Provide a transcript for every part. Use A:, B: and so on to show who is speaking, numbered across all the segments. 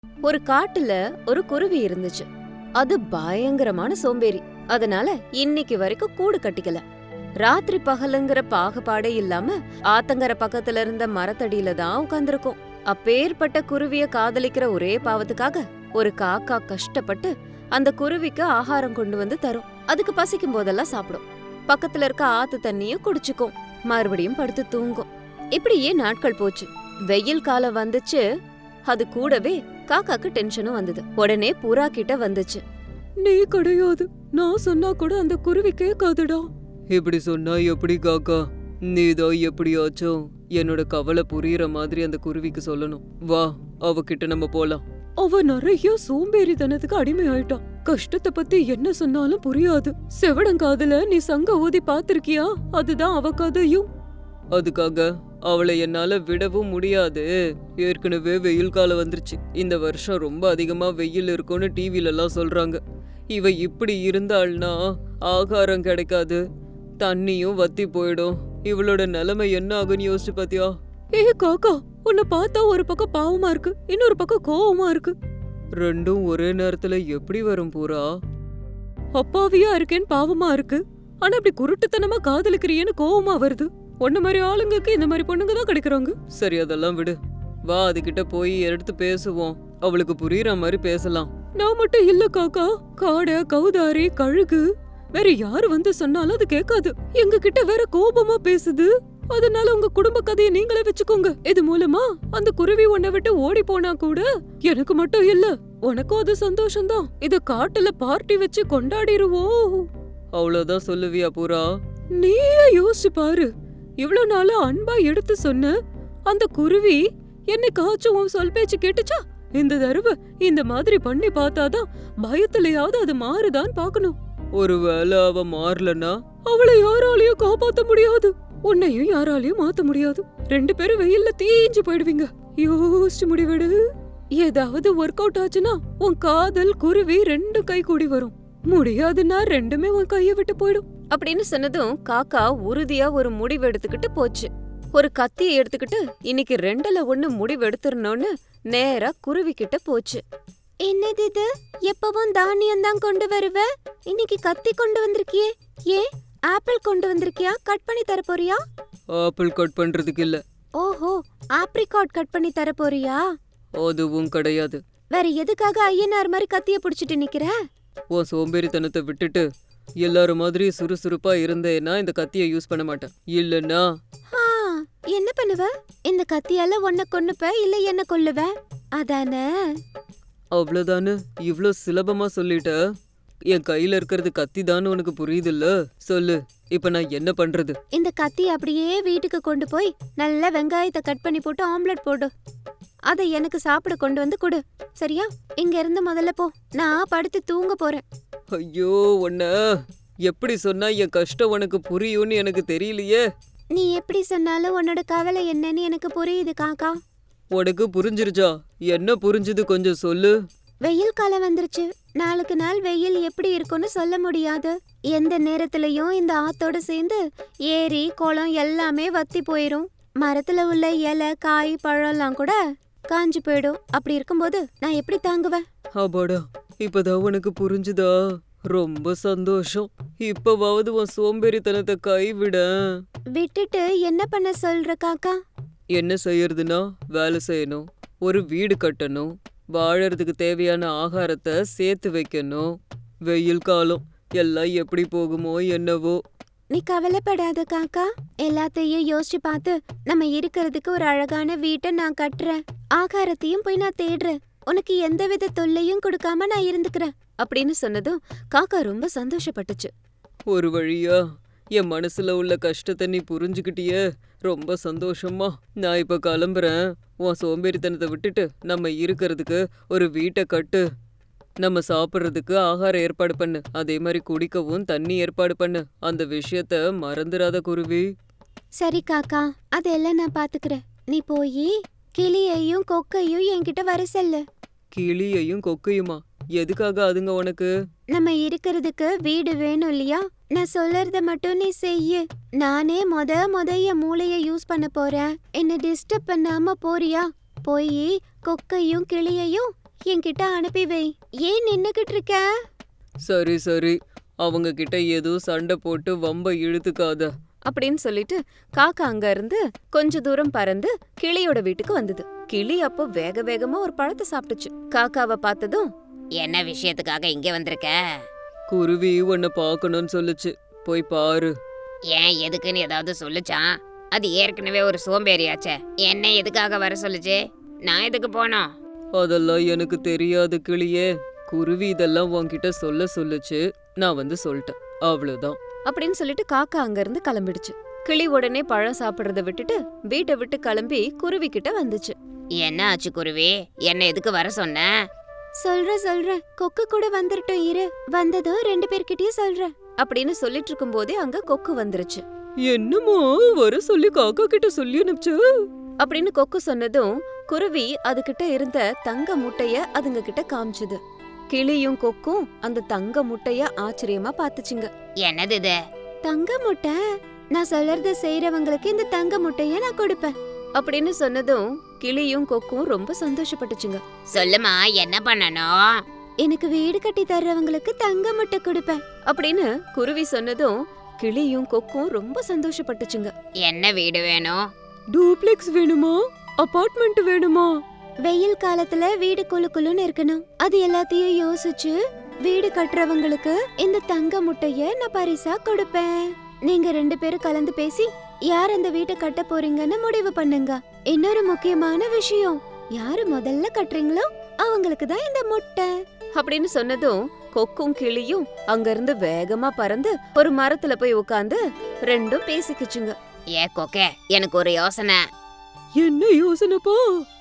A: ஒரு காட்டுல ஒரு குருவி இருந்துச்சு. அது பயங்கரமான சோம்பேறி. அதனால இன்னைக்கு வரைக்கும் கூடு கட்டிக்கல. ராத்திரி பகலுங்கிற பாகுபாடே இல்லாம ஆத்தங்கர பக்கத்துல இருந்த மரத்தடியில தான் உட்கார்ந்திருக்கும். அப்பேற்பட்ட குருவிய காதலிக்கிற ஒரே பாவத்துக்காக ஒரு காக்கா கஷ்டப்பட்டு அந்த குருவிக்கு ஆகாரம் கொண்டு வந்து தரும். அதுக்கு பசிக்கும் போதெல்லாம் சாப்பிடும். பக்கத்துல இருக்க ஆத்து தண்ணியும் குடிச்சுக்கும். மறுபடியும் படுத்து தூங்கும். இப்படியே நாட்கள் போச்சு. வெயில் காலம் வந்துச்சு. அது கூடவே காக்காக்கு டென்ஷனும் வந்தது. உடனே புறா கிட்ட வந்துச்சு.
B: நீ கிடையாது, நான் சொன்னா கூட அந்த குருவி கேட்காதுடா.
C: இப்படி சொன்னா எப்படி காக்கா? நீதான் எப்படியாச்சும் என்னோட கவலை புரியுற மாதிரி அந்த குருவிக்கு சொல்லணும். வா, அவகிட்ட நம்ம போலாம்.
B: அவ நிறைய சோம்பேறித்தனத்துக்கு அடிமை ஆயிட்டா. கஷ்டத்தை பத்தி என்ன சொன்னாலும் புரியாது. செவடங்காதுல நீ சங்க ஊதி பாத்திருக்கியா? அதுதான் அவ கதையும்.
C: அதுக்காக அவளை என்னால விடவும் முடியாது. ஏற்கனவே வெயில் காலம் வந்துருச்சு. இந்த வருஷம் ரொம்ப அதிகமா வெயில் இருக்கும்னு டிவில எல்லாம் சொல்றாங்க. இவ இப்படி இருந்தாள்னா ஆகாரம் கிடைக்காது, தண்ணியும் வத்தி போயிடும். இவளோட நிலைமை என்ன ஆகுன்னு யோசிச்சு பாத்தியா?
B: ஏ காக்கா, உன்னை பார்த்தா ஒரு பக்கம் பாவமா இருக்கு, இன்னொரு பக்கம் கோவமா இருக்கு.
C: ரெண்டும் ஒரே நேரத்துல எப்படி வரும் பூரா?
B: அப்பாவியா இருக்கேன்னு பாவமா இருக்கு, ஆனா இப்படி குருட்டுத்தனமா காதலிக்கிறியேன்னு கோவமா வருது. உன்ன மாதிரி ஆளுங்களுக்கு இந்த மாதிரி பொண்ணுங்க தான் கிடைக்கிறாங்க.
C: சரி, அதெல்லாம் விடு. வா, அதுகிட்ட போய் எடுத்து பேசுவோம். அவளுக்கு புரியுற மாதிரி பேசலாம்.
B: நான் மட்டும் இல்ல காக்கா, காடை, கௌதாரி, கழுகு, வேற யாரு வந்து சொன்னாலும் அது கேட்காது. எங்க கிட்ட வேற கோபமா பேசுது. அதனால உங்க குடும்ப கதையை நீங்களே வச்சுக்கோங்க. இது மூலமா அந்த குருவி உன்னை விட்டு ஓடி போனா கூட எனக்கு மட்டும் இல்ல, உனக்கும் அது சந்தோஷம்தான். இத காட்டுல பார்ட்டி வச்சு கொண்டாடிருவோம்.
C: அவ்வளவுதான் சொல்லுவியா பூரா?
B: நீயே யோசிச்சு பாரு. இவ்வளவு நாளா அன்பா எடுத்து சொன்ன அந்த குருவி என்னைக்காச்சும் உன் சொல் பேச்சு கேட்டுச்சா? இந்த தடவை இந்த மாதிரி பண்ணி பார்த்தாதான் பயத்திலேயாவது அது மாறுதான்னு பாக்கணும்.
C: ஒருவேளை அவ மாறலன்னா
B: அவளை யாராலையும் காப்பாத்த முடியாது, உன்னையும் யாராலையும் மாத்த முடியாது. ரெண்டு பேரும் வெயில்ல தீஞ்சு போயிடுவீங்க. யோசிச்சு முடிவெடு. ஏதாவது ஒர்க் அவுட் ஆச்சுன்னா உன் காதல் குருவி ரெண்டும் கை கூடி வரும். முடியாதுன்னா ரெண்டுமே உன் கைய விட்டு போயிடும்.
A: அப்படின்னு சொன்னதும் காக்கா உறுதியா ஒரு முடிவு எடுத்துக்கிட்டு போச்சு. ஒரு கத்தியை எடுத்துக்கிட்டு இன்னைக்கு 2ல 1 முடிவு எடுத்துறணும்னு நேரா குருவி கிட்ட போச்சு. என்னது இது? எப்பவும் தானியம் தான் கொண்டு வருவ, இன்னைக்கு கத்தி கொண்டு வந்திருக்கியே. ஏன் ஆப்பிள் கொண்டு வந்திருக்கியா? கட் பண்ணி தர போறியா?
C: ஆப்பிள் கட் பண்றதுக்கு இல்ல.
A: ஓஹோ, ஆப்ரிகாட் கட் பண்ணி தர போறியா?
C: அதுவும் கிடையாது.
A: வேற எதுக்காக ஐயனார் மாதிரி கத்திய புடிச்சிட்டு நிக்கிற?
C: உன் சோம்பேறித்தனத்தை விட்டுட்டு எல்லாரும் மாதிரி சுறுசுறுப்பா இருந்தேன்னா இந்த கத்தியை யூஸ் பண்ண மாட்டேன். இல்லன்னா
A: என்ன பண்ணுவ? இந்த கத்தியால உன்னை கொன்னுப்ப இல்ல என்ன கொல்லுவ? அதானே?
C: அவ்வளவுதானு? இவ்ளோ சுலபமா சொல்லிட்ட. என் கையில இருக்கிறது கத்தி தான் உனக்கு புரியுதுல்ல? சொல்லு, இப்ப நான் என்ன பண்றது?
A: இந்த கத்தி அப்படியே வீட்டுக்கு கொண்டு போய் நல்ல வெங்காயத்தை கட் பண்ணி போட்டு ஆம்லெட் போடு. அதை எனக்கு சாப்பிட கொண்டு வந்து கொடு, சரியா? இங்க இருந்து முதல்ல போ, நான் படுத்து தூங்க போறேன்.
C: ஐயோ, உன்ன எப்படி சொன்னா என் கஷ்டம் உனக்கு புரியும்னு எனக்கு தெரியலையே.
A: நீ எப்படி சொன்னாலும் உன்னோட கவலை என்னன்னு எனக்கு புரியுது காக்கா.
C: உனக்கு புரிஞ்சிருச்சா? என்ன புரிஞ்சுது கொஞ்சம் சொல்லு.
A: வெயில் காலம் வந்துருச்சு. நாளுக்கு நாள் வெயில் எப்படி இருக்கும்னு சொல்ல முடியாது. எந்த நேரத்திலயும் இந்த ஆத்தோட சேர்ந்து ஏரி குளம் எல்லாமே வத்தி போயிரும். மரத்துல உள்ள இலை, காய், பழம்லாம் கூட காஞ்சு போயிடும். அப்படி இருக்கும்போது நான் எப்படி தாங்குவேன்?
C: அப்பாடா, இப்பதான் உனக்கு புரிஞ்சுதா? ரொம்ப சந்தோஷம். இப்பவாவது உன் சோம்பேறித்தனத்தை கைவிட.
A: விட்டுட்டு என்ன பண்ண சொல்ற காக்கா?
C: என்ன செய்யறதுன்னா, வேலை செய்யணும், ஒரு வீடு கட்டணும், வாழறதுக்கு தேவையான ஆகாரத்தை சேர்த்து வைக்கணும். வெயில் காலம் எல்லாம் எப்படி போகுமோ என்னவோ.
A: நீ கவலைப்படாத காக்கா, எல்லாத்தையும் யோசிச்சு பார்த்து நம்ம இருக்கிறதுக்கு ஒரு அழகான வீட்டை நான் கட்டுறேன். ஆகாரத்தையும் போய் நான் தேடுறேன். உனக்கு எந்தவித தொல்லையும் கொடுக்காம நான் இருந்துக்கிறேன் அப்படின்னு சொன்னதும் காக்கா ரொம்ப சந்தோஷப்பட்டுச்சு.
C: ஒரு வழியா என் மனசுல உள்ள கஷ்டத்தை நீ புரிஞ்சுக்கிட்டியே, ரொம்ப சந்தோஷமா. நான் இப்ப கிளம்புறேன். உன் சோம்பேறித்தனத்தை விட்டுட்டு நம்ம இருக்கிறதுக்கு ஒரு வீட்டை கட்டு. நம்ம சாப்பிட்றதுக்கு ஆகாரம் ஏற்பாடு பண்ணு, அதே மாதிரி குடிக்கவும் தண்ணி ஏற்பாடு பண்ணு. அந்த விஷயத்த மறந்துடாத குருவி.
A: சரி காக்கா, அதெல்லாம் நான் பாத்துக்கிறேன். நீ போய் கிளியையும் கொக்கையும் என்கிட்ட வர சொல்லு.
C: கிளியையும் கொக்கையுமா? எதுக்காக அதுங்க உனக்கு?
A: நம்ம இருக்கிறதுக்கு வீடு வேணும் இல்லையா? நான் சொல்றத மட்டும் நீ செய்யு. நானே மொத என் மூளைய யூஸ் பண்ண போறேன். என்ன டிஸ்டர்ப் பண்ணாம போறியா? போய் கொக்கையும் கிளியையும் என்கிட்ட அனுப்பி வை. ஏன் நின்னுகிட்டு இருக்க?
C: சரி சரி, அவங்க கிட்ட ஏதோ சண்டை போட்டு வம்ப இழுத்துக்காத.
A: அப்படின்னு சொல்லிட்டு காக்கா அங்க இருந்து கொஞ்ச தூரம் பறந்து கிளியோட வீட்டுக்கு வந்தது. கிளி அப்போ வேக வேகமா ஒரு பழத்தை சாப்பிட்டுச்சு. காக்காவை பார்த்ததும், என்ன விஷயத்துக்காக இங்க வந்திருக்க?
C: குருவி உன்னை பார்க்கணும்னு சொல்லுச்சு, போய் பாரு.
A: ஏன் எதுக்குன்னு ஏதாவது சொல்லுச்சான்? அது ஏற்கனவே ஒரு சோம்பேறியாச்சே, என்ன எதுக்காக வர சொல்லுச்சு? நான் எதுக்கு போனோம்?
C: அதெல்லாம் எனக்கு தெரியாது கிளியே. குருவி இதெல்லாம் உன்கிட்ட சொல்ல சொல்லுச்சு, நான் வந்து சொல்லிட்டேன், அவ்வளவுதான்.
A: அப்படின்னு சொல்லிட்டு காக்கா அங்க இருந்து கிளம்பிடுச்சு. கிளி உடனே பழம் சாப்பிடுறத விட்டுட்டு வீட்டை விட்டு கிளம்பி குருவி கிட்ட வந்துச்சு. என்ன ஆச்சு குருவி? என்ன எதுக்கு வர சொன்ன? சொல்றேன், கொக்கு கூட வந்துட்டோம், இரு, வந்ததும் 2 பேர்கிட்டயும் சொல்றேன் அப்படின்னு சொல்லிட்டு இருக்கும் போதே அங்க கொக்கு வந்துருச்சு.
C: என்னமோ வர சொல்லி காக்கா கிட்ட சொல்லி அனுப்பிச்சு
A: அப்படின்னு கொக்கு சொன்னதும் குருவி அதுகிட்ட இருந்த தங்க முட்டைய அதுங்க கிட்ட காமிச்சுது. கிளியும் கொக்கும் அந்த தங்க முட்டைய ஆச்சரியமா பாத்துச்சுங்க. என்னது இது? தங்க முட்டை? நான் சொல்றத செய்யறவங்களுக்கு இந்த தங்க முட்டைய நான் கொடுப்பேன் அப்படின்னு சொன்னதும் கிளியும் கொக்கும் ரொம்ப சந்தோஷப்பட்டுச்சுங்க. சொல்லுமா, என்ன பண்ணணும்? எனக்கு வீடு கட்டி தர்றவங்களுக்கு தங்க முட்டை கொடுப்பேன் அப்படின்னு குருவி சொன்னதும் கிளியும் கொக்கும் ரொம்ப சந்தோஷப்பட்டுச்சுங்க. என்ன வீடு வேணும்?
B: டூப்ளெக்ஸ் வேணுமா, அபார்ட்மெண்ட் வேணுமா?
A: வெயில் காலத்துல வீடு குளுன்னு இருக்கணும். அது எல்லாத்தையும் யோசிச்சு வீடு கட்டுறவங்களுக்கு இந்த தங்க முட்டைய நான் பரிசா கொடுப்பேன். நீங்க 2 பேரும் கலந்து பேசி யார் அந்த வீட்டை கட்ட போறீங்கன்னு முடிவு பண்ணுங்க. இன்னொரு முக்கியமான விஷயம், யாரு முதல்ல கட்டுறீங்களோ அவங்களுக்கு தான் இந்த முட்டை அப்படின்னு சொன்னதும் கொக்கும் கிளியும் அங்க இருந்து வேகமா பறந்து ஒரு மரத்துல போய் உட்கார்ந்து ரெண்டும் பேசிக்கிச்சுங்க. ஏ கொக்கே, எனக்கு ஒரு யோசனை.
B: என்ன யோசனைப்பா?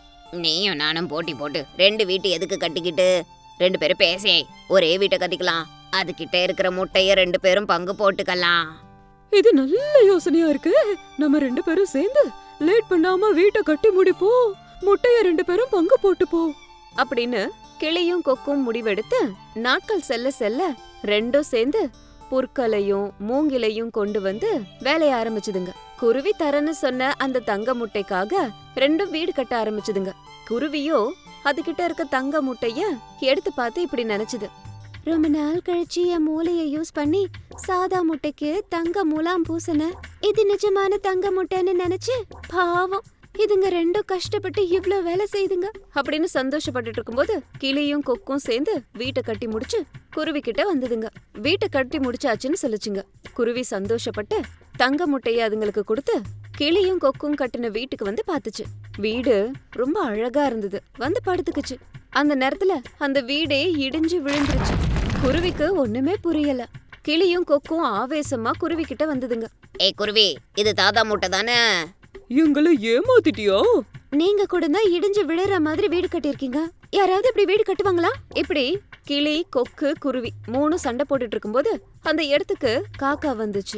A: நீயும் நானும் போட்டி போட்டு 2 வீட்டு எதுக்கு கட்டிக்கிட்டு 2 பேரும் பேசி ஒரே வீட்டை கட்டிக்கலாம். அதுகிட்ட இருக்கிற முட்டைய 2 பேரும் பங்கு போட்டுக்கலாம்.
B: இது நல்ல யோசனையா இருக்கு. நம்ம 2 பேரும் சேர்ந்து லேட் பண்ணாம வீட்டை கட்டி முடிப்போம். முட்டைய 2 பேரும் பங்கு போட்டுப்போம்
A: அப்படின்னு கிளியும் கொக்கும் முடிவெடுத்து நாட்கள் செல்ல செல்ல ரெண்டும் சேர்ந்து புற்களையும் மூங்கிலையும் கொண்டு வந்து வேலைய ஆரம்பிச்சுதுங்க. குருவி தரன்னு சொன்ன அந்த தங்க முட்டைக்காக ரெண்டும் வீடு கட்ட ஆரம்பிச்சுதுங்க. குருவியோ அதுகிட்ட இருக்க தங்க முட்டைய எடுத்து பார்த்து இப்படி நினைச்சுது. ரொம்ப நாள் கழிச்சு என் மூளைய யூஸ் பண்ணி சாதா முட்டைக்கு தங்க மூலாம் பூசன. இது நிஜமான தங்க முட்டைன்னு நினைச்சு பாவம் இதுங்க ரெண்டும் கஷ்டப்பட்டு இவ்ளோ வேலை செய்துங்க அப்படின்னு சந்தோஷப்பட்டுட்டு இருக்கும்போது கிளியும் கொக்கும் சேர்ந்து வீட்டை கட்டி முடிச்சு குருவி கிட்ட வந்ததுங்க. வீட்டை கட்டி முடிச்சாச்சுன்னு சொல்லுச்சுங்க. குருவி சந்தோஷப்பட்டு தங்க முட்டைய அதுங்களுக்கு கொடுத்து கிளியும் கொக்கும் கட்டின வீட்டுக்கு வந்து பாத்துச்சு. வீடு ரொம்ப அழகா இருந்தது. வந்து படுத்துக்குச்சு. அந்த நேரத்துல அந்த வீடே இடிஞ்சு விழுந்துருச்சு. குருவிக்கு ஒண்ணுமே புரியல. கிளியும் கொக்கும் ஆவேசமா குருவி கிட்ட வந்ததுங்க. ஏய் குருவி, இது தாத்தா முட்டை தானே?
C: எங்களை ஏமாத்திட்டியா?
A: நீங்க கூட தான் இடிஞ்சு விழுற மாதிரி வீடு கட்டிருக்கீங்க. யாராவது இப்படி வீடு கட்டுவாங்களா? இப்படி கிளி கொக்கு குருவி 3 சண்டை போட்டுட்டு இருக்கும்போது அந்த இடத்துக்கு காக்கா வந்துச்சு.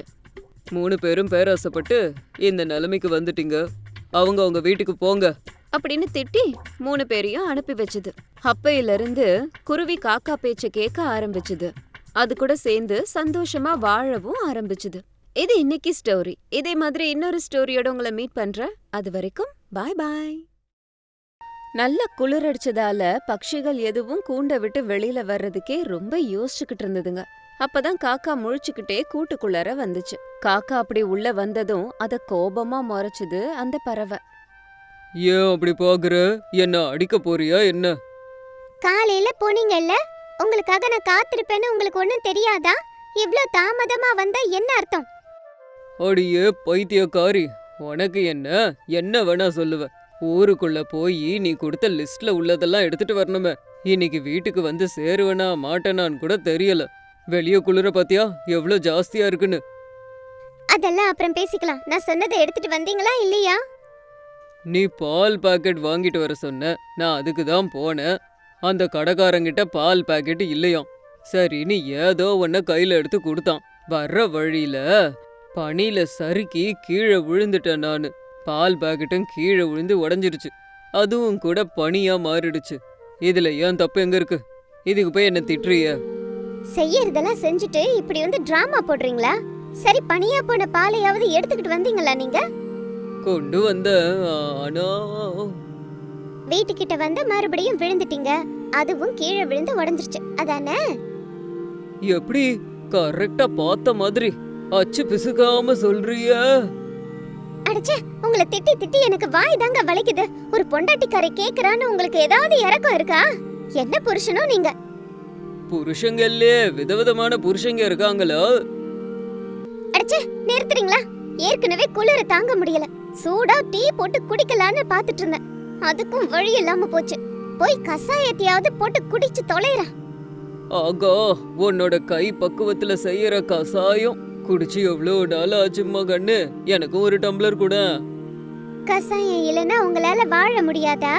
C: 3 பேரும் பேராசைப்பட்டு இந்த நிலைமைக்கு வந்துட்டீங்க, அவங்க வீட்டுக்கு போங்க
A: அப்படின்னு திட்டி 3 பேரையும் அனுப்பி வச்சுது. அப்பையில இருந்து குருவி காக்கா பேச்ச கேட்க ஆரம்பிச்சுது. அது கூட சேர்ந்து சந்தோஷமா வாழவும் ஆரம்பிச்சுது. இது இன்னைக்கு ஸ்டோரி. இதே மாதிரி இன்னொரு ஸ்டோரியோட உங்களை மீட் பண்றேன். அது வரைக்கும் பாய் பாய். நல்ல குளிரடிச்சதால பட்சிகள் எதுவும் கூண்டை விட்டு வெளியில வர்றதுக்கே ரொம்ப யோசிச்சுக்கிட்டு இருந்ததுங்க. அப்பதான் காக்கா முழிச்சுக்கிட்டே கூட்டுக்குள்ளார வந்துச்சு. காக்கா அப்படி உள்ள வந்ததும் அத கோபமா முறைச்சுது அந்த பறவை.
C: ஏன் அப்படி பாக்குற? என்ன அடிக்க போறியா என்ன?
D: காலையில போனீங்கல்ல, உங்களுக்காக நான் காத்திருப்பேன்னு உங்களுக்கு ஒண்ணும் தெரியாதா? இவ்ளோ தாமதமா வந்தா என்ன அர்த்தம்?
C: அடியே பைத்தியக்காரி, உனக்கு என்ன வேணா சொல்லுவ. ஊருக்குள்ள போய் நீ கொடுத்த லிஸ்ட்ல உள்ளதெல்லாம் எடுத்துட்டு வரணுமே. இன்னைக்கு வீட்டுக்கு வந்து சேருவனா மாட்டேனான்னு கூட தெரியல. வெளிய குளிர பாத்தியா எவ்ளோ ஜாஸ்தியா இருக்குன்னு.
D: அதெல்லாம் அப்புறம் பேசிக்கலாம். நான் சொன்னதை எடுத்துட்டு வந்தீங்களா இல்லையா?
C: நீ பால் பாக்கெட் வாங்கிட்டு வர சொன்ன, நான் அதுக்கு தான் போனேன். அந்த கடைக்காரங்கிட்ட பால் பாக்கெட் இல்லையாம். சரி, நீ ஏதோ ஒன்ன கையில எடுத்து கொடுத்தான். வர்ற வழியில பனியில சறுக்கி கீழே விழுந்துட்டேன் நானு. பால் பாக்கெட்டும் கீழே விழுந்து உடஞ்சிருச்சு. அதுவும் கூட பனியா மாறிடுச்சு. இதுல ஏன் தப்பு எங்க இருக்கு? இதுக்கு போய் என்ன திட்டுறிய?
D: செய்யறதெல்லாம் செஞ்சுட்டு இப்படி வந்து டிராமா போடுறீங்களா? சரி, பனியா போன பாலையாவது எடுத்துக்கிட்டு வந்தீங்களா நீங்க?
C: கொண்டு வந்த, ஆனா
D: வீட்டுக்கிட்ட வந்து மறுபடியும் விழுந்துட்டீங்க. அதுவும் கீழே விழுந்து உடைஞ்சிருச்சு அதானே?
C: எப்படி கரெக்டா பார்த்த மாதிரி அச்சு பிசுக்காம சொல்றிய?
D: அடச்சே, உங்களை திட்டி திட்டி எனக்கு வாய் தாங்க வலிக்குது. ஒரு பொண்டாட்டிக்காரை கேக்குறான்னு உங்களுக்கு ஏதாவது இறக்கம் இருக்கா? என்ன புருஷனோ நீங்க?
C: புருஷங்கல்லே விதவிதமான புருஷங்க இருக்காங்களோ.
D: அடச்சே, நிறுத்துறீங்களா? ஏற்கனவே குளிர தாங்க முடியல. சூடா டீ போட்டு குடிக்கலான்னு பாத்துட்டு இருந்தேன். அதுக்கும் வழி இல்லாம போச்சு. போய் கசாயத்தையாவது போட்டு குடிச்சு தொலைறேன்.
C: ஆகா, உன்னோட கை பக்குவத்துல செய்யற கசாயம் குடிச்சு எவ்வளவு நாள் ஆச்சும்மா கண்ணு. எனக்கும் ஒரு டம்ளர் கூட.
D: கசாயம் இல்லைன்னா உங்களால வாழ முடியாதா?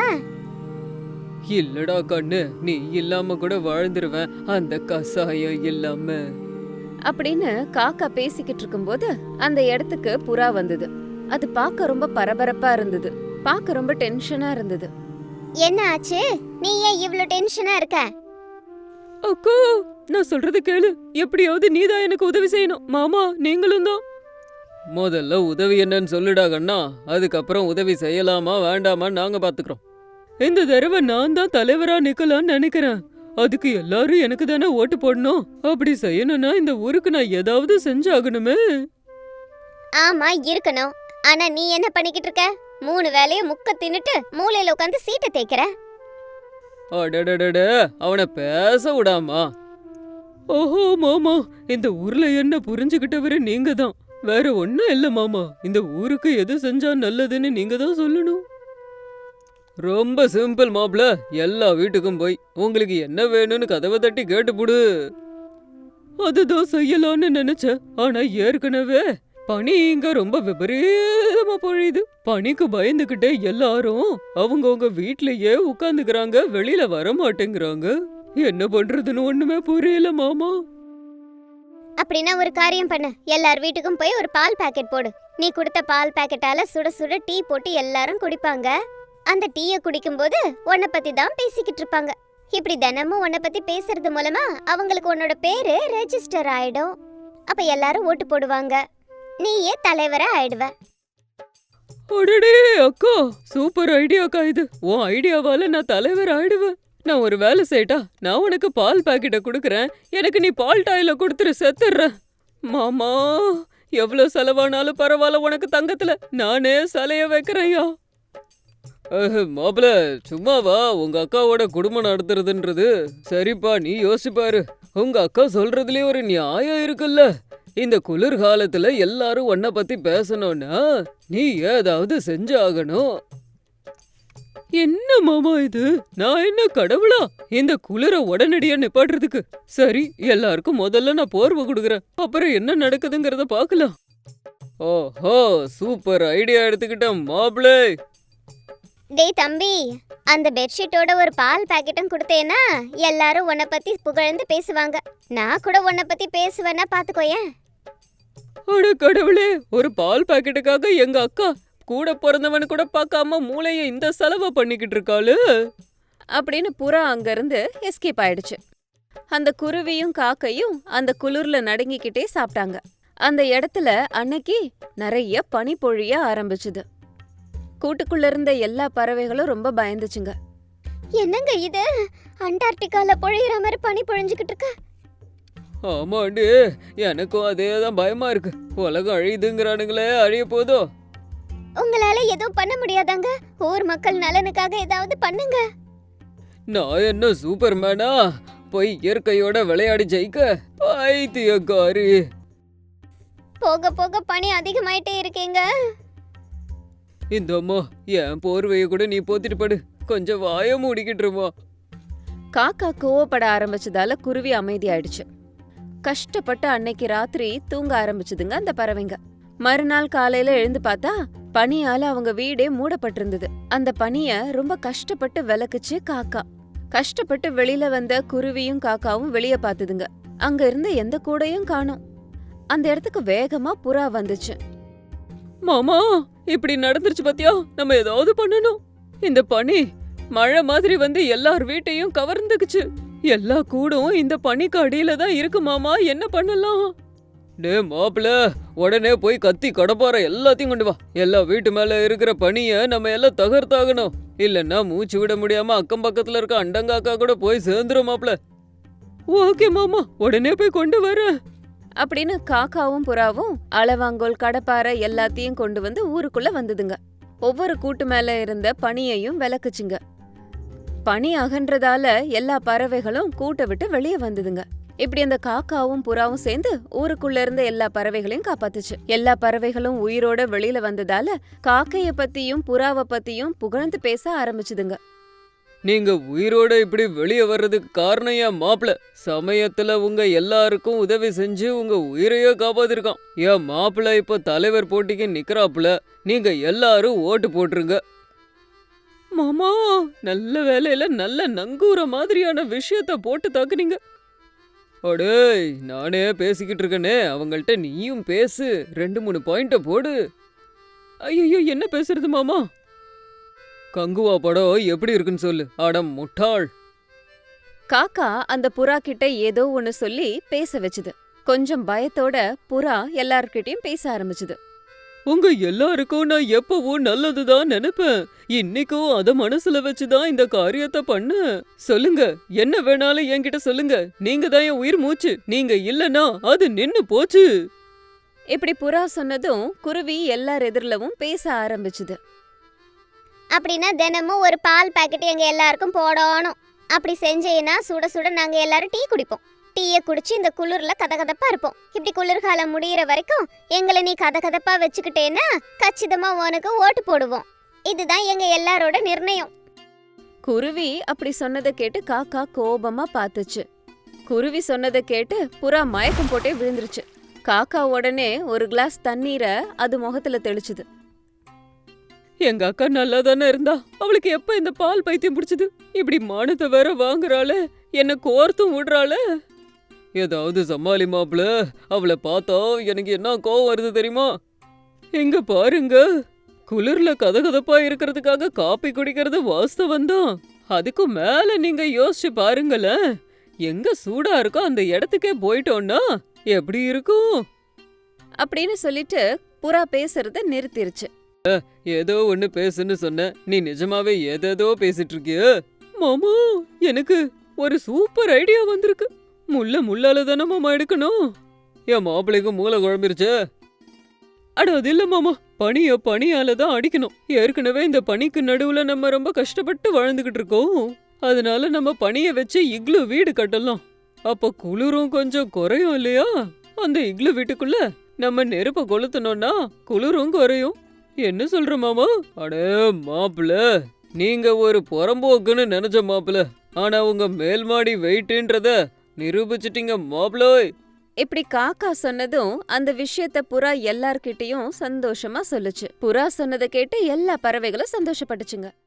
C: இல்லடா கண்ணு, நீ இல்லாம கூட வாழ்ந்துருவேன் அந்த கசாயம் இல்லாம.
A: அப்படின்னு காக்கா பேசிக்கிட்டு இருக்கும்போது அந்த இடத்துக்கு புறா வந்தது. அது பார்க்க ரொம்ப பரபரப்பா இருந்தது, பார்க்க ரொம்ப டென்ஷனா இருந்தது.
D: என்ன ஆச்சு? நீ ஏன் இவ்ளோ டென்ஷனா இருக்க?
B: அக்கா, நான் சொல்றது கேளு. எப்படியாவது நீதான் எனக்கு உதவி செய்யணும். மாமா நீங்களும் தான்.
C: முதல்ல உதவி என்னன்னு சொல்லுடா கண்ணா, அதுக்கப்புறம் உதவி செய்யலாமா வேண்டாமான்னு நாங்க பாத்துக்கிறோம்.
B: இந்த தடவை நான் தான் தலைவரா நிக்கலாம்னு நினைக்கிறேன். அதுக்கு எல்லாரும் எனக்கு தானே ஓட்டு போடணும். அப்படி செய்யணும்னா இந்த ஊருக்கு நான் ஏதாவது செஞ்சாகணுமே.
D: ஆமா இருக்கணும். ஆனா நீ என்ன பண்ணிக்கிட்டு இருக்க? 3 வேளையும் முக்க தின்னுட்டு மூலையில உட்காந்து சீட்டை தேய்க்கிற.
C: அடடடட, அவனை பேச விடாமா.
B: ஓஹோ மாமா, இந்த ஊர்ல என்ன புரிஞ்சுகிட்டவரு நீங்க தான். வேற ஒண்ணும் இல்ல மாமா. இந்த ஊருக்கு எது செஞ்சா நல்லதுன்னு நீங்க தான் சொல்லணும்.
C: ரொம்ப சிம்பிள் மாப்ள. எல்லா வீட்டுக்கும் போய் உங்களுக்கு என்ன வேணும்னு கதவை தட்டி கேட்டுப்புடு.
B: அதுதான் செய்யலாம்னு நினைச்சேன். ஆனா ஏற்கனவே பனி இங்க ரொம்ப விபரீதமா பொழியுது. பனிக்கு பயந்துகிட்டே எல்லாரும் அவங்கவுங்க வீட்லயே உட்கார்ந்துக்கிறாங்க, வெளியில வர மாட்டேங்கிறாங்க. என்ன பண்றதுன்னு ஒண்ணுமே புரியல மாமா.
D: அப்படின்னா ஒரு காரியம் பண்ணு. எல்லார் வீட்டுக்கும் போய் ஒரு பால் பாக்கெட் போடு. நீ கொடுத்த பால் பாக்கெட்டால சுட சுட டீ போட்டு எல்லாரும் குடிப்பாங்க. அந்த டீயை குடிக்கும்போது உன்னை பத்தி தான் பேசிக்கிட்டு இருப்பாங்க. இப்படி தினமும் உன்னை பத்தி பேசுறது மூலமா அவங்களுக்கு உன்னோட பேரு ரெஜிஸ்டர் ஆயிடும். அப்ப எல்லாரும் ஓட்டு போடுவாங்க. நீயே தலைவரா ஆயிடுவ.
B: அடடே அக்கா, சூப்பர் ஐடியாக்கா இது. உன் ஐடியாவால நான் தலைவர் ஆயிடுவேன். நான் ஒரு வேலை செய்யட்டா? நான் உனக்கு பால் பாக்கெட்டை கொடுக்கறேன். எனக்கு நீ பால் டாயில கொடுத்துரு, செத்துடுற. மாமா, எவ்வளவு செலவானாலும் பரவாயில்ல, உனக்கு தங்கத்துல நானே சலைய வைக்கிறேன்யா.
C: மாப்பிள சும்மாவா? உங்க அக்காவோட குடும்பம் நடத்துறதுன்றது சரிப்பா, நீ யோசிப்பாரு. உங்க அக்கா சொல்றதுலயே ஒரு நியாயம் இருக்குல்ல. இந்த குளிர்காலத்துல எல்லாரும் உன்னை பத்தி பேசணும்னா நீ ஏதாவது செஞ்சாகணும்.
B: என்ன மாமா இது? நான் என்ன கடவுளா இந்த குளிர உடனடியா நிப்பாட்டுறதுக்கு? சரி, எல்லாருக்கும் முதல்ல நான் போர்வை கொடுக்கறேன். அப்புறம் என்ன நடக்குதுங்கிறத பாக்கலாம்.
C: ஓஹோ, சூப்பர் ஐடியா எடுத்துக்கிட்டேன் மாப்பிளே.
D: டேய் தம்பி, அந்த பெட்ஷீட்டோட ஒரு பால் பாக்கெட்டும் கொடுத்தேன்னா எல்லாரும் உன்னை பத்தி புகழ்ந்து பேசுவாங்க. நான் கூட உன்னை பத்தி பேசுவேன்னா பாத்துக்கோயேன்.
B: அட கடவுளே, ஒரு பால் பாக்கெட்டுக்காக எங்க அக்கா கூட பிறந்தவன் கூட பார்க்காம மூளைய இந்த செலவை பண்ணிக்கிட்டு இருக்காளு.
A: அப்படின்னு புறா அங்கிருந்து எஸ்கேப் ஆயிடுச்சு. அந்த குருவியும் காக்கையும் அந்த குளிர்ல நடுங்கிக்கிட்டே சாப்பிட்டாங்க. அந்த இடத்துல அன்னைக்கு நிறைய பனி பொழிய ஆரம்பிச்சுது. கூட்டுக்குள்ள இருந்த எல்லா பறவைகளும் ரொம்ப பயந்துச்சுங்க.
D: என்னங்க இது? அண்டார்டிகால பொழியிற மாதிரி பனி பொழிஞ்சுக்கிட்டு இருக்கு.
C: ஆமாண்டு, எனக்கும் அதேதான் பயமா இருக்கு. உலகம் அழியுதுங்கிறானுங்களே, அழிய போதோ?
D: உங்களால எதுவும் பண்ண முடியாதாங்க? ஊர் மக்கள் நலனுக்காக ஏதாவது பண்ணுங்க.
C: நான் என்ன சூப்பர்மேனா போய் இயற்கையோட விளையாடி ஜெயிக்க? பைத்தியக்காரி.
D: போக போக பனி அதிகமாயிட்டே இருக்கேங்க.
C: இந்த அம்மா, என் போர்வைய கூட நீ போத்திட்டு படு. கொஞ்சம் வாய மூடிக்கிட்டுருமா.
A: காக்கா கோவப்பட ஆரம்பிச்சதால குருவி அமைதியாயிடுச்சு. கஷ்டப்பட்டு அன்னைக்கு ராத்திரி தூங்க ஆரம்பிச்சுதுங்க அந்த பறவைங்க. மறுநாள் காலையில எழுந்து பார்த்தா பனியால அவங்க வீடே மூடப்பட்டிருந்தது. அந்த பனிய ரொம்ப கஷ்டப்பட்டு விளக்குச்சு காக்கா. கஷ்டப்பட்டு வெளியில வந்த குருவியும் காக்காவும் வெளிய பாத்துதுங்க. அங்க இருந்த எந்த கூடையும் காணோம். அந்த இடத்துக்கு வேகமா புறா வந்துச்சு.
B: மாமா, இப்படி நடந்துருச்சு பாத்தியா? நம்ம ஏதாவது பண்ணணும். இந்த பனி மழை மாதிரி வந்து எல்லார் வீட்டையும் கவர்ந்துக்குச்சு. எல்லா கூடும் இந்த பனிக்கு அடியில தான் இருக்கு மாமா. என்ன பண்ணலாம்?
C: டே மாப்பிள, உடனே போய் கத்தி கடப்பார எல்லாத்தையும் கொண்டு வா. எல்லா வீட்டு மேல இருக்கிற பனிய நம்ம எல்லாம் தகர்த்தாகணும். இல்லன்னா மூச்சு விட முடியாம அக்கம் பக்கத்துல இருக்க அண்டங்காக்கா கூட போய் சேர்ந்துரும் மாப்ள.
B: ஓகே மாமா, உடனே போய் கொண்டு வரேன்.
A: அப்படின்னு காக்காவும் புறாவும் அளவாங்கோல் கடப்பாரை எல்லாத்தையும் கொண்டு வந்து ஊருக்குள்ள வந்ததுங்க. ஒவ்வொரு கூட்டு மேல இருந்த பனியையும் விளக்குச்சுங்க. பனி அகன்றதால எல்லா பறவைகளும் கூட்டை விட்டு வெளியே வந்ததுங்க. இப்படி அந்த காக்காவும் புறாவும் சேர்ந்து ஊருக்குள்ள இருந்த எல்லா பறவைகளையும் காப்பாத்துச்சு. எல்லா பறவைகளும் உயிரோட வெளியில வந்ததால காக்கைய பத்தியும் புறாவை பத்தியும் புகழ்ந்து பேச ஆரம்பிச்சுதுங்க.
C: நீங்க உயிரோட இப்படி வெளியே வர்றதுக்கு காரணம் என் மாப்ள. சமயத்துல உங்க எல்லாருக்கும் உதவி செஞ்சு உங்க உயிரையே காப்பாத்திருக்கான். என் மாப்பிள்ள இப்ப தலைவர் போட்டிக்கு நிக்கறாப்புல. நீங்க எல்லாரும் ஓட்டு போட்டுருங்க.
B: மாமா, நல்ல வேலையில நல்ல நங்கூர மாதிரியான விஷயத்த போட்டு தாக்குனீங்க.
C: அடேய், நானே பேசிக்கிட்டு இருக்கனே, அவங்கள்ட்ட நீயும் பேசு. 2-3 பாயிண்ட போடு.
B: ஐயோ, என்ன பேசுறது மாமா?
C: கங்குவா படம் எப்படி இருக்குன்னு சொல்லு. அட முட்டாள்.
A: காக்கா அந்த புறா கிட்ட ஏதோ ஒன்னு சொல்லி பேச வச்சுது. கொஞ்சம் பயத்தோட புறா எல்லார்கிட்டயும் பேச ஆரம்பிச்சுது.
B: உங்க எல்லாருக்கும் நான் எப்பவும் நல்லதுதான் நினைப்பேன். இன்னைக்கும் அத மனசுல வச்சுதான் இந்த காரியத்தை பண்ண. சொல்லுங்க, என்ன வேணாலும் என்கிட்ட சொல்லுங்க. நீங்க தான் என் உயிர் மூச்சு. நீங்க இல்லனா அது நின்னு போச்சு.
A: இப்படி புறா சொன்னதும் குருவி எல்லார் எதிரிலவும் பேச ஆரம்பிச்சுது.
D: அப்படின்னா தினமும் ஒரு பால் பாக்கெட் எங்க எல்லாருக்கும் போடணும். அப்படி செஞ்சேன்னா சுட சுட நாங்க எல்லாரும் டீ குடிப்போம். டீயை குடிச்சு இந்த குளிர்ல கதகதப்பா இருப்போம். இப்படி குளிர்காலம் முடியிற வரைக்கும் எங்களை நீ கதகதப்பா வச்சுக்கிட்டேன்னா கச்சிதமா உனக்கு ஓட்டு போடுவோம். இதுதான் எங்க எல்லாரோட நிர்ணயம்.
A: குருவி அப்படி சொன்னதை கேட்டு காக்கா கோபமா பார்த்துச்சு. குருவி சொன்னதை கேட்டு புறா மயக்கம் போட்டே விழுந்துருச்சு. காக்கா உடனே ஒரு கிளாஸ் தண்ணீரை அது முகத்துல தெளிச்சுது.
B: எங்க அக்கா நல்லா தானே இருந்தா, அவளுக்கு எப்ப இந்த பால் பைத்தியம் பிடிச்சது? இப்படி மானத்தை வேற வாங்குறாளே, என்ன கோர்த்தும் விடுறாளே.
C: ஏதாவது சமாளி மாப்ள. அவளை பார்த்தா எனக்கு என்ன கோவம் வருது தெரியுமா?
B: எங்க பாருங்க, குளிர்ல கதகதப்பா இருக்கிறதுக்காக காப்பி குடிக்கிறது வாஸ்தவம் தான். அதுக்கும் மேல நீங்க யோசிச்சு பாருங்களேன். எங்க சூடா இருக்கோ அந்த இடத்துக்கே போயிட்டோம்னா எப்படி இருக்கும்?
A: அப்படின்னு சொல்லிட்டு புறா பேசுறத நிறுத்திருச்சு.
C: ஏதோ ஒண்ணு பேசுன்னு சொன்ன, நீ நிஜமாவே ஏதேதோ பேசிட்டு இருக்கிய.
B: மாமா, எனக்கு ஒரு சூப்பர் ஐடியா வந்திருக்கு. முள்ளால தானே மாமா எடுக்கணும்.
C: என் மாப்பிள்ளைக்கு மூளை குழம்பிருச்சு.
B: அட அது இல்ல மாமா, பனியால தான் அடிக்கணும். ஏற்கனவே இந்த பனிக்கு நடுவுல நம்ம ரொம்ப கஷ்டப்பட்டு வாழ்ந்துகிட்டு இருக்கோம். அதனால நம்ம பனிய வச்சு இக்லு வீடு கட்டலாம். அப்ப குளிரும் கொஞ்சம் குறையும் இல்லையா? அந்த இக்லு வீட்டுக்குள்ள நம்ம நெருப்ப கொளுத்தணும்னா குளிரும் குறையும். என்ன சொல்ற மாமா?
C: அடே மாப்பிள, நீங்க ஒரு புறம்போக்குன்னு நினைச்ச மாப்பிள. ஆனா உங்க மேல்மாடி வெயிட்ன்றத நிரூபிச்சிட்டீங்க மாப்பிளோய்.
A: இப்படி காக்கா சொன்னதும் அந்த விஷயத்த புறா எல்லார்கிட்டயும் சந்தோஷமா சொல்லுச்சு. புறா சொன்னதை கேட்டு எல்லா பறவைகளும் சந்தோஷப்பட்டுச்சுங்க.